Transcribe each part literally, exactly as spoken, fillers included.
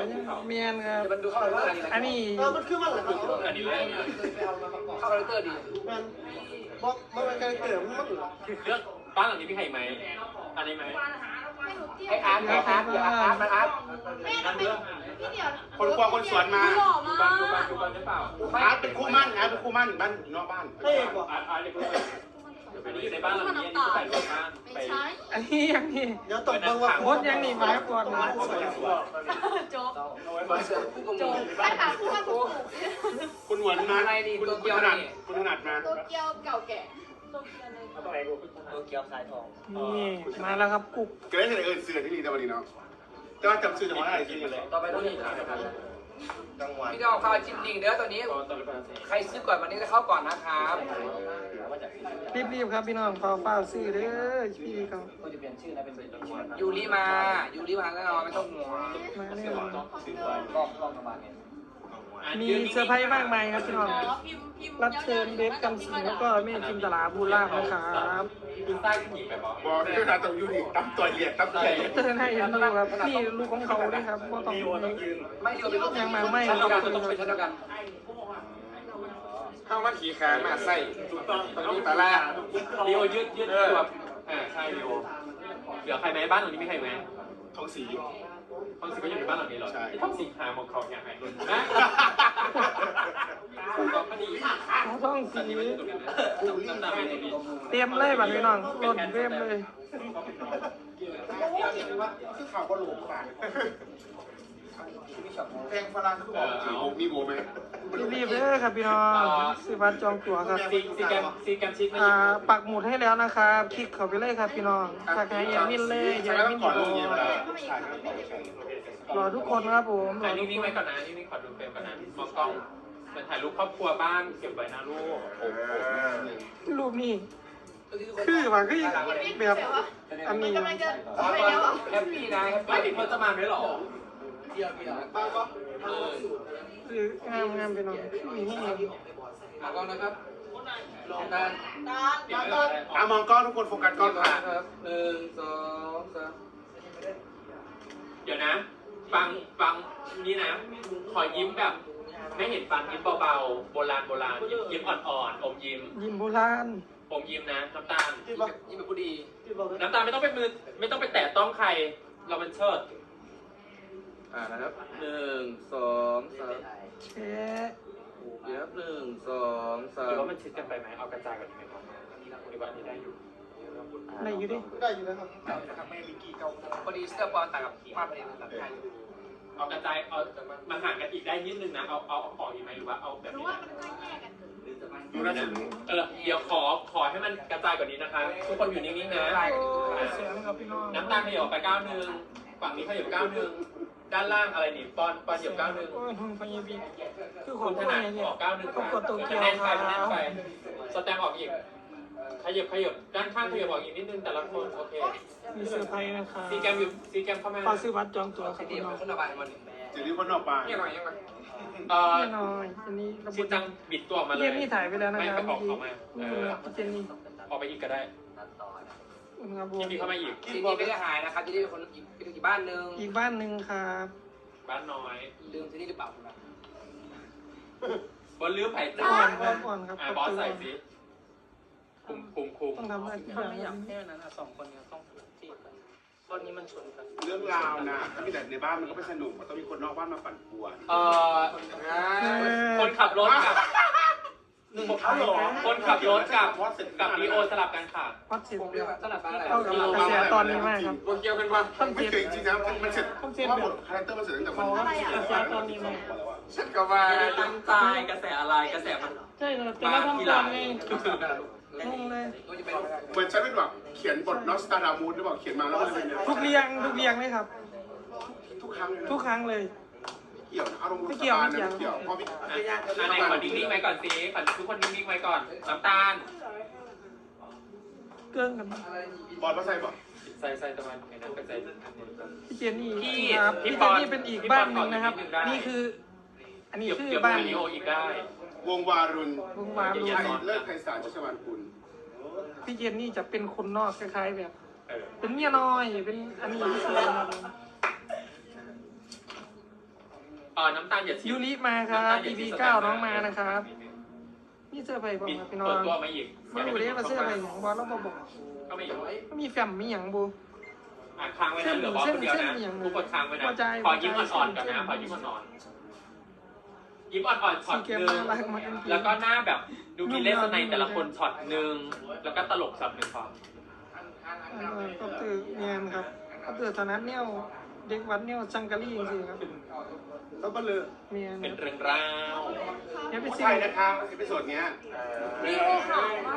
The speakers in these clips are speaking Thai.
เมียนครับมันดูเข้าคาแรคเตอร์ดีอันนี้เออมันคือมันเหรอครับอันนี้เลยเข้าคาแรคเตอร์ดีมันบอกมันเป็นการเกิดมันมันเรื่องบ้านหลังนี้มีใครไหมอันนี้ไหมไออาร์ตไออาร์ตอย่าอาร์ตมันอาร์ตแม่ทำไมพี่เดียวคนกลัวคนสวนมาหล่อดูมาบ้านดูบ้านกดูบ้านได้เปล่าอาร์ตเป็นคู่มั่นอาร์ตเป็นคู่มั่นบ้านนอกบ้านเฮ้ยบอกอาร์ตอาร์ตเด็กเลยอันนี้อยู่ในบ้านหลังนี้อันนี้ใส่ในบ้านไปไม่ใช่อันนี้ยังนี่เดี๋ยวตบเบิ้งว่าโคตรยังนี่ไม้ปวดนะโจ๊กเสือคู่กงโจ๊กใช่ค่ะคู่กันถูกคุณหวนมาคุณคุณถนัดคุณถนัดมาโตเกียวเก่าแก่โตเกียวในตัวเกียวสายทองนี่มาแล้วครับกุ๊กเกิดอะไรเอิญเสือที่นี่แต่วันนี้เนาะแต่ว่าจำชื่อจะมาอะไรที่นี่เลยต่อไปต้องนี่จังหวัดพี่น้องข้าวจิ้มลิงเด้อตัวนี้ใครซื้อก่อนวันนี้จะเข้าก่อนนะครับรีบๆครับพี่น้องเฝ้าเฝ้าซื้อเด้อพี่เขาก็จะเปลี่ยนชื่อนะเป็นยูริมายูริมาแน่นอนไม่ต้องห่วงมาเนี่ยกล้องกล้องประมาณนี้มีเซอร์ไพรส์มากมายครับพี่น้องรับเชิญเดฟกันสิงแล้วก็แม่จิมตลาบูล่านะครับดูใต้ผู้หญิงไปบอกบอกที่เราต้องอยู่นี่ตั้มตัวเหยียดตั้มตัวเหยียดเตือนให้เห็นดูครับนี่ลูกของเขาด้วยครับว่าต้องไม่เดียวเป็นลูกยังมาไม่ชั้นคเดีรัยวบกันต้องเป็นชั้นเดียวกันเข้ามาขี่ขามาใส่ถูกต้องตอนนี้ตาล่าเดียวยืดยืดตัวอ่าใช่เดียวเหลือใครไหมบ้านหลังนี้มีใครไหมทองสีท้องสีก็อยู่ในบ้านหลังนี้เหรอที่ท้องสีหาหมองเขาอย่างไรนะก็พอดีเขาต้องสีน้ำตาเป็นดีเตรียมเลยบัดพี่น้องรถเตรียมเลยคือข่าวก็หลงปากแพงฝรั่งคือบอกมีโบไหมรีบๆเลยครับพี่น้องซื้อบัตรจองตั๋วครับซีซีแกมซีแกมชิดไม่อ่ายิงปักหมุดให้แล้วนะครับคลิกเข้าไปเลยครับพี่น้องฝากให้ยามินเลยยาใช้ต้มิอน งก่อนลงเย็นเวลารอทุกคนครับผมรอ่าอทุกนิ่งคๆไว้นก่อนนะนิ่งๆขอดูเฟรมก่อนนะมองกล้องเหมือนถ่ายรูปครอบครัวบ้านเก็บไว้นะลูกรูปนี้คือว่าคือแบบอันนี้กำลังจะไปแล้วอ่ะแฮปปี้นะแฮปไม่ปี้ติดพจมานไว้หรอเดียวเดียวเออคืองามงามพี่น้องนี่ให้มากล้องนะครับลองกันตาเก็บไว้ตาเลยอ่ะมองกล้องทุกคนโฟกัสกล้องค่ะครับหนึ่งสองสามเดี๋ยวนะ ฟังฟังนี่นะ ขอยิ้มแบบ ไม่เห็นฟันยิ้มเบาๆโบราณโบราณยิ้มยิ้มอ่อนๆอมยิ้มยิ้มโบราณอมยิ้มนะน้ำตาลยิ้มแบบยิ้มแบบผู้ดีน้ำตาลไม่ต้องไปมือไม่ต้องไปแตะต้องใคร เราเป็นเชิดอ่านะครับหนึ่งสองสามแชะเดี๋ยวหนึ่งสองสาหรือมว่ามันชิดกันไปไหมเอากระจายกันดีไหมครับหรือว่าอันนี้ได้อยู่ไหนอยู่ดิได้อยู่นะครับนะครับไม่มีกี่เก้าพอดีเสื้อปอนต่างกับภาพประเด็นต่างกันเอากระจายเอามาห่างกันอีกได้นิดนึงนะเอาเอาเอาของอีกไหมหรือว่าเอาแบบรู้นี้ว่านะมันก็แยกกันดูน่าสนเออเดี๋ยวขอขอให้มันกระจายกว่านี้นะคะทุกคนอยู่นิ่งๆนะโอ้ยเสียงครับพี่น้องน้ำตาลขยับไปก้าวหนึ่งฝั่งนี้ขยับก้าวหนึ่งด้านล่างอะไรนี่ปอนปอนขยับก้าวหนึ่งโอ้ยหุ่นพญาบีคือขคุองณถผู้นัดใหญ่เนี่ยออกก้าวหนึ่งต้องกดตัวเกียวแน่นคไปรับแน่นไปสแตมออกอีกขยับขยับด้านข้างขยับออกอีกนิดนึงแต่ละคนโอเคมีเซอร์ไพรส์นะครับซีแกมอยู่ซีแกมเข้ามาขอซื้อบัตรจองตั๋วคสิรับดีพี่น้มัอน งขึ้นระบายมันจะรีบคนออกไปยังไงยังไงเอ่อแน่นอนอันนี้ระบบชิจังบิดตัวออกมาเลยเยี่ยมนี่ถ่ายไปแล้วนะไม่คไปรับออกออกมาเอนี่อครับพี่เจนนี่ออกไปอีกก็ได้ครับผมยินดีเข้ามาอีกสิดีไม่ได้หายนะครับจะได้เป็นคนอีกเป็นอีกบ้านหนึ่งอีกบ้านหนึ่งครับบ้านน้อยลืมที่นี่หรือเปล่าครับบนลืมไผ่อ่จ้าอนครับอ่อนครับอ่าบอสใส่สิคุมคุมคุมต้องทำได้ทุกอย่างไม่อยากให้อันนั้นอะสองคนเนี้ต้องจีบกันตอนนี้มันชนกันเรื่องราวนะถ้ามีแต่ในบ้านมันก็ไม่สนุกมันต้องมีคนนอกบ้านมาปั่นป่วนเอ่อคนขับรถกับหนึ่งฮัลโหลคนขับรถกับกับดีโอสลับกันค่ะพอดเสร็จผมเรียกว่าสลับบ้านอะไรเข้ากับกระแสตอนนี้มากครับเกี่ยวกันว่าไม่เคยจริงนะมันเสร็จว่าหมดคาแรคเตอร์มันเสร็จตั้งแต่วันกระแสตอนนี้มากฉันก็ว่าไม่ได้ตั้งใจกระแสอะไรกระแสมันใช่ครับแต่เราทำตอนไงงงเลยตัวจะเป็นเหมือนฉันเป็นแบบเขียนบทนอสตาดามูสหรือเปล่าเขียนมาแล้วมันเป็นทุกเรียงทุกเรียงเลยครับทุกครั้งทุกครั้งเลยเกี่ยวอารมณ์เกี่ยวเกี่ยวเพราะพี่อ่ะอ่ะในขอนิ่งๆไว้ก่อนสิขอทุกคนนิ่งๆไว้ก่อนน้ำตาลเกินกันบอลมาใส่บ่ใส่ใส่ตะวันไอ้นั่นไปใส่พี่เจนนี่พี่ครับพี่พี่ปเจอนนนี่เป็นอีกบ้านหนึ่งนะครับพี่ปอนขอนิดนึงได้นี่คือ อันนี้เดี๋ยวคือเดี๋ยวบ้านวิดีโออีกได้วงวารุณวงวานอย่ารูสอนเลิศไพศาลชัชวานกุลพี่เจนนี่จะเป็นคนนอกคล้ายๆแบบเออเป็นเมียน้อยเป็นอันนี้พิเศษครับเออน้ำตาลอย่าชิมยูริมาครับ อี พี เก้าน้องมานะครับนี่เสื้อไปบอกมีครับพี่น้องเปิดตัวมาอีกไม่รู้เด้ว่าเสื้อไปของบอลแล้วบอบอกก็ไม่อยู่ไม่มีแฟมมีอย่างบูอ่ะค้างไว้นะเหลือบอสคนเดียวนะทุกคนค้างไว้นะขอยิ้มอ่อนๆก่อนนะขอยิ้มอ่อนๆยิ้มอ่อนๆช็อตสีเกหมนึ่งน่ารักมากแล้วก็หน้าแบบดูมีเลสในแต่ละคนช็อตหนึ่งแล้วก็ตลกช็อตหนึ่งพอเออก็ตื่นเนียนครับก็ตื่นตอนนั้นเนี่ยเด็กวัดเนี่ยจังกะลี่จริงๆครับแล้วก็เลยเนียนเป็นเรื่องราวเนี่ยไปผู้ซิชายนะครับเอพิโซดเนี้ยวิวขาวมาก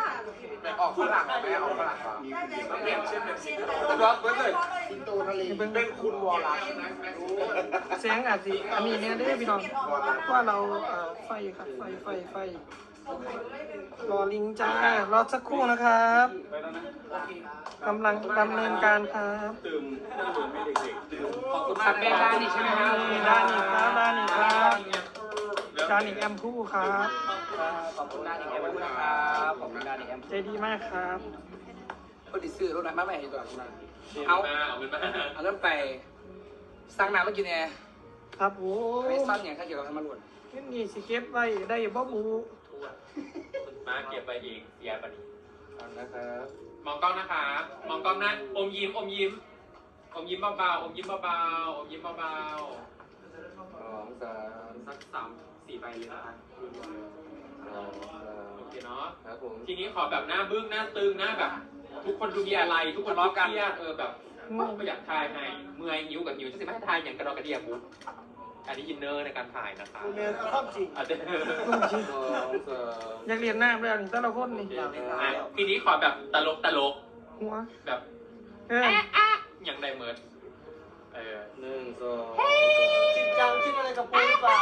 ออกฝรั่งไหมออกฝรั่งเหรอมีผู้หญิงเปลี่ยนชื่อเป็นสิงโตเบิร์ดเลยสิงโตทะเลเป็นคุณวอลลัสแสงอาจสิอันนี้เนี่ยเด้อพี่น้องว่าเราเอ่อไฟครับไฟไฟไฟรอลิงจ้ารอสักครู่นะครับกำลังดำเนินการครับขอบคุณมากเป็นร้านนี่ใช่ไหมครับด้านนี้ครับด้านนี้ครับด้านนี้แอมพูครับขอบคุณด้านอีกแอมนะครับขอบคุณด้านอีกแอมใจดีมากครับก็ดิซื้อรถไหนมาใหม่ดีกว่าเอาเอาเอาเงินมาเอาเริ่มไปสร้างน้ำมากินแอร์ครับโอ้ไม่ซ่อนอย่างถ้าเกี่ยวกับธรรมรวจเงินนี่สิเก็บไว้ได้บ่บูมาเก็บไปอีกยาปนีนะครับมองกล้องนะคะมองกล้องนะอมยิ้มอมยิ้มอมยิ้มเบาๆอมยิ้มเบาๆอมยิ้มเบาสองสามๆสักสามสี่ใบเลยนะคะสองสามโอเคเนาะครับผมทีนี้ขอแบบหน้าบึ้งหน้าตึงหน้าแบบ ทุกคนดูมีอะไร ทุกคนร้องกันเครียดเออแบบไม่อยากทายให้เมื่อยนิ้วกับนิ้วจะสิไม่ให้ทายอย่างกระดอกกระเดียบุ๊กอันนี้อินเนอร์ในการถ่ายนะคะเมนเอาความจริงอาจจะลูกจริงสองสามอยากเรียนหน้าแล้วนี่แต่ละคนนี่อ่ะทีนี้ขอแบบตลกตลกหัวแบบเอออย่างไดเมิร์ดเออหนึ่งสองจริงจังคิดอะไรกับปูหรือเปล่า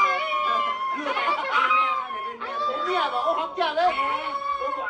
เนี่ยบอกโอ้ครับอย่าเลยโอ้โห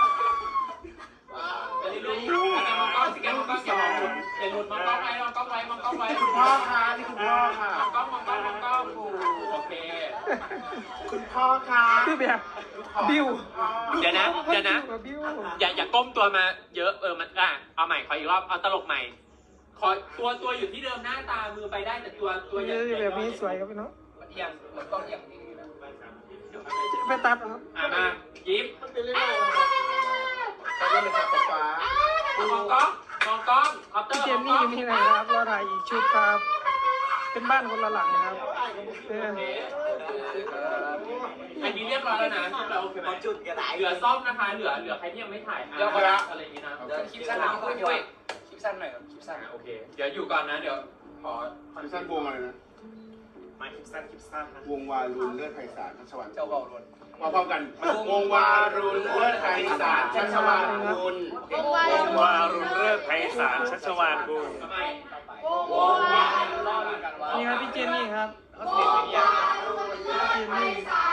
จะได้รู้แต่มองกล้องสิแกมองกล้องอย่ามองหลุดอย่าหลุดมองกล้องไว้มองกล้องไว้มองกล้องไว้คุณพ่อค่ะนี่คุณพ่อค่ะมองกล้องมองกล้องมองกล้องโอเคคุณพ่อค่ะคือแบบบิวเดี๋ยวนะเดี๋ยวนะบิวอย่าอย่าก้มตัวมาเยอะเออมันอ่ะเอาใหม่ขออีกรอบเอาตลกใหม่ขอตัวตัวอยู่ที่เดิมหน้าตามือไปได้แต่ตัวตัวอย่าคือแบบนี้สวยครับพี่น้องเอียงเหมือนกล้องเอียงนี่นะไปตัดเอาครับอ่ะมายิ้มมันเป็นเรื่อยตอนนี้เป็นฟ้าฟ้ามองกล้องมองกล้องคอปเตอพี่ร์เจมองนกนี่ล้องอยู่นี่นะครับรอถ่ายอีกชุดครับ เป็นบ้านคนละหลังนะครับเอออันนี้เรียบร้อยแล้วนะชุดเราโอเคไหมจุดกระดาษเหลือซ่อมนะคะเหลือเหลือใครที่ยังไม่ถ่ายอ่ะอะไรอย่างนี้นะเดี๋ยวคลิปสั้นหน่อยด้วยคลิปสั้นหน่อยครับคลิปสั้นโอเคเดี๋ยวอยู่ก่อนนะเดี๋ยวขอคลิปสั้นวงอะไรนะมาคลิปสั้นคลิปสั้นนะวงวารุณเลือดไพศาลชัชวานเจ้าเบาลวนมาพร้อมกันวงวารุณเลือดไพศาลชัชวานบุญวงวารุณเลิศไพศาลชัชวานบุญทำไมวงวารุณนี่ครับพี่เจนนี่ครับวงวารุณเลิศไพศาล